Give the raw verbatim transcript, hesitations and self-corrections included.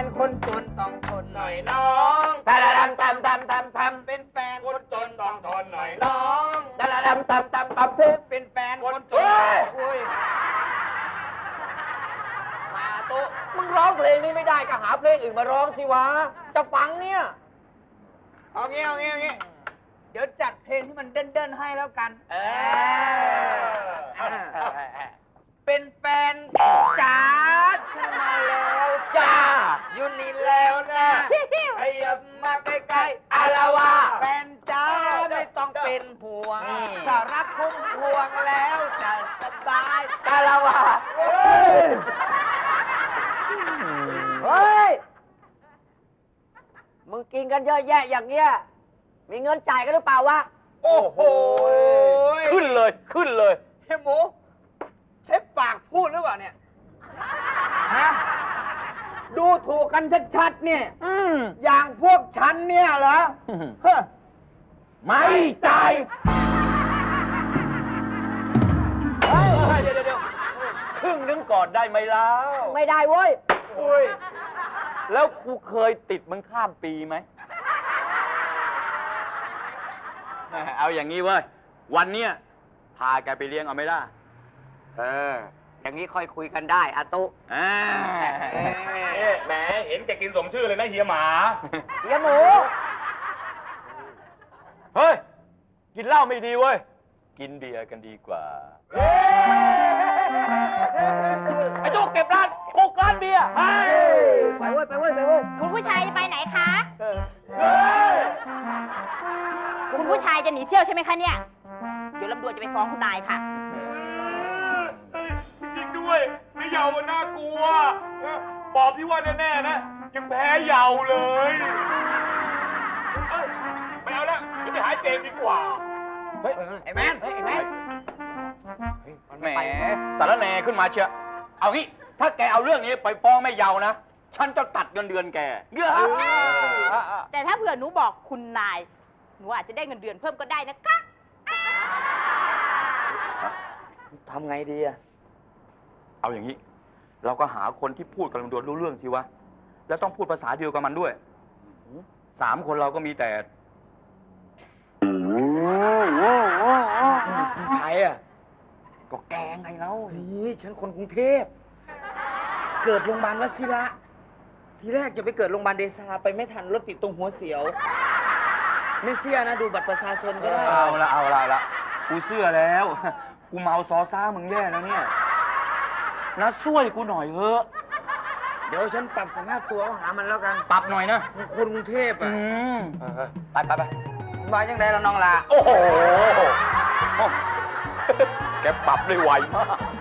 นคนจนต้องทนหน่อยน้องทาดำทำทำทำทำเป็นแฟนคนจนต้องทนหน่อยน้องทาดำทำทำทำเพื่อเป็นแฟนคนจนอุ้ยมาตุ๊มึงร้องเพลงนี้ไม่ได้ก็หาเพลงอื่นมาร้องสิวะจะฟังเนี่ยเอางี้เอางี้เอางี้เดี๋ยวจัดเพลงที่มันเด่นๆให้แล้วกันเออเป็นแฟนจ๋าฉันมาแล้วจ้าอยู่นี่แล้วนะขยับมาใกล้ๆอาละวาแฟนจ๋าไม่ต้องเป็นห่วงนี่ถ้ารักคุ้มพวงแล้วจะสบายอาละวาเฮ้ย มึงกินกันเยอะแยะอย่างเงี้ย มีเงินจ่ายกันหรือเปล่าวะโอ้โหขึ้นเลยขึ้นเลยเฮ้ยหมูใช้ปากพูดหรือเปล่าเนี่ยฮะดูถูกกันชัดๆเนี่ยอืมอย่างพวกฉันเนี่ยเหรอเฮ้อไม่จ่ายเฮ้ยเดี๋ยวเดี๋ยวครึ่งนึงก่อนได้ไหมแล้วไม่ได้เว้ยอุ้ยแล้วกูเคยติดมึงข้ามปีไหม เอาอย่างนี้เว้ย วันเนี้ยพาแกไปเลี้ยงเอาไหมล่ะเออ อย่างนี้ค่อยคุยกันได้อาตุอ่าแหมเห็นแกกินสมชื่อเลยนะเฮียหมาเฮียหมูเฮ้ย กินเหล้าไม่ดีเว้ย กินเบียร์กันดีกว่า ไอ้ตุ๊กเก็บร้านปลุกร้านเบียร์ไปเว้ย ไปเว้ย ไปเว้ยคุณผู้ชายจะไปไหนคะ คุณผู้ชายจะหนีเที่ยวใช่ไหมคะเนี่ย เดี๋ยวลำดวนจะไปฟ้องคุณนายค่ะจริงด้วยไม่เยาว์น่ากลัวปอบที่ว่าแน่ๆนะยังแพ้เยาว์เลยเอ้ยไม่เอาแล้วเดี๋ยวไปหาเจมส์ดีกว่าเฮ้ยไอ้แมนเฮ้ยไอ้แมนแหมสารแหนขึ้นมาเชียวเอางี้ ถ้าแกเอาเรื่องนี้ไปฟ้องแม่เยานะ ฉันจะตัดเงินเดือนแกเยอะแต่ถ้าเผื่อหนูบอกคุณนาย หนูอาจจะได้เงินเดือนเพิ่มก็ได้นะคะทำไงดีอะเอาอย่างนี้ เราก็หาคนที่พูดกับลำดวนรู้เรื่องสิวะ แล้วต้องพูดภาษาเดียวกับมันด้วย สามคนเราก็มีแต่ใครอะก็แกไงเราเฮ้ยฉันคนกรุงเทพ เกิดโรงพยาบาลวชิระ ทีแรกจะไปเกิดโรงพยาบาลเดชาไปไม่ทันรถติดตรงหัวเสียว ไม่เสียนะดูบัตรประชาชนก็ได้เอาละเอาละเอาละกูเชื่อแล้ว กูเมาซอซ่ามึงแย่แล้วเนี่ยนะช่วยกูหน่อยเถอะเดี๋ยวฉันปรับสภาพตัวหามันแล้วกันปรับหน่อยนะคนกรุงเทพอือ่ะมไปไปไปมาจังไดแล้วน้องละโอ้โห แกปรับได้ไวมาก